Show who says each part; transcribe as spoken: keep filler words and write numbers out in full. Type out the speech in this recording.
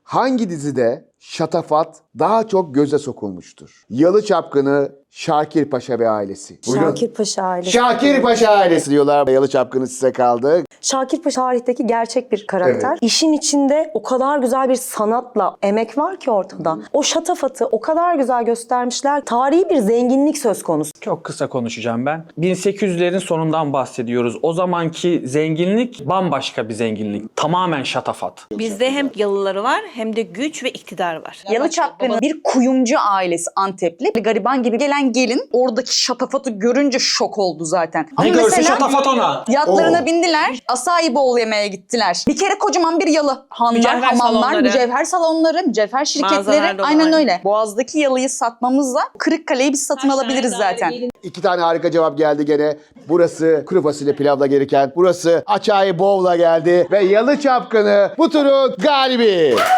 Speaker 1: hangi dizide şatafat daha çok göze sokulmuştur? Yalı Çapkını, Şakir Paşa ve ailesi. Buyurun.
Speaker 2: Şakir Paşa ailesi.
Speaker 1: Şakir Paşa ailesi diyorlar. Yalı Çapkını size kaldı.
Speaker 2: Şakir Paşa tarihteki gerçek bir karakter.
Speaker 1: Evet.
Speaker 2: İşin içinde o kadar güzel bir sanatla emek var ki ortada. O şatafatı o kadar güzel göstermişler. Tarihi bir zenginlik söz konusu.
Speaker 3: Çok kısa konuşacağım ben. bin sekiz yüzlerin sonundan bahsediyoruz. O zamanki zenginlik bambaşka bir zenginlik. Tamamen şatafat.
Speaker 4: Bizde hem yalıları var hem de güç ve iktidar var.
Speaker 5: Yalı Çapkını bir kuyumcu ailesi Antepli. Bir gariban gibi gelen gelin oradaki şatafatı görünce şok oldu zaten.
Speaker 3: Ne görse şatafat ona.
Speaker 5: Yatlarına
Speaker 1: Oo.
Speaker 5: bindiler. Acai Bowl yemeye gittiler. Bir kere kocaman bir yalı. Hanlar,
Speaker 4: Mücevher
Speaker 5: hamamlar,
Speaker 4: salonları.
Speaker 5: mücevher salonları, mücevher şirketleri.
Speaker 4: Mağazalar dolu,
Speaker 5: Aynen
Speaker 4: aynen.
Speaker 5: öyle. Boğaz'daki yalıyı satmamızla Kırıkkale'yi biz satın alabiliriz zaten.
Speaker 1: İki tane harika cevap geldi gene. Burası kuru fasulye pilavla gelirken burası Acai Bowl'la geldi ve Yalı Çapkını bu turun galibi.